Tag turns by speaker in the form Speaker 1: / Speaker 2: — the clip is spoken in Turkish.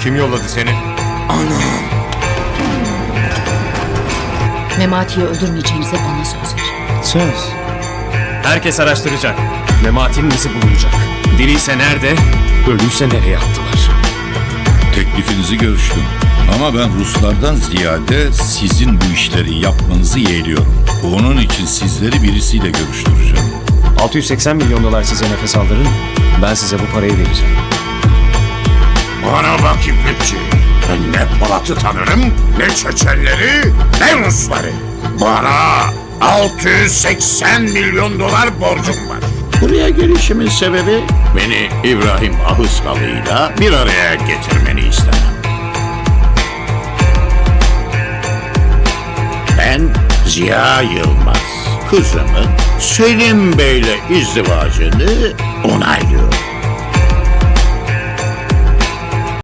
Speaker 1: Kim yolladı seni?
Speaker 2: Anam.
Speaker 3: Memati'yi öldürmeyeceğinize bana söz verin.
Speaker 2: Söz.
Speaker 4: Herkes araştıracak. Memati'nin izi bulunacak. Diriyse nerede, ölüyse nereye attılar?
Speaker 5: Teklifinizi görüştüm. Ama ben Ruslardan ziyade sizin bu işleri yapmanızı yeğliyorum. Onun için sizleri birisiyle görüştüreceğim.
Speaker 4: 680 milyon dolar size nefes aldırın. Ben size bu parayı vereceğim.
Speaker 6: Bana bak İpekçi. Ben ne Polat'ı tanırım, ne Çeçenleri, ne Rusları. Bana 680 milyon dolar borcum var. Buraya gelişimin sebebi beni İbrahim Ahıskalı'yla bir araya getirmeni istemem. Ben Ziya Yılmaz, kızımın Selim Bey'le izdivacını onaylıyorum.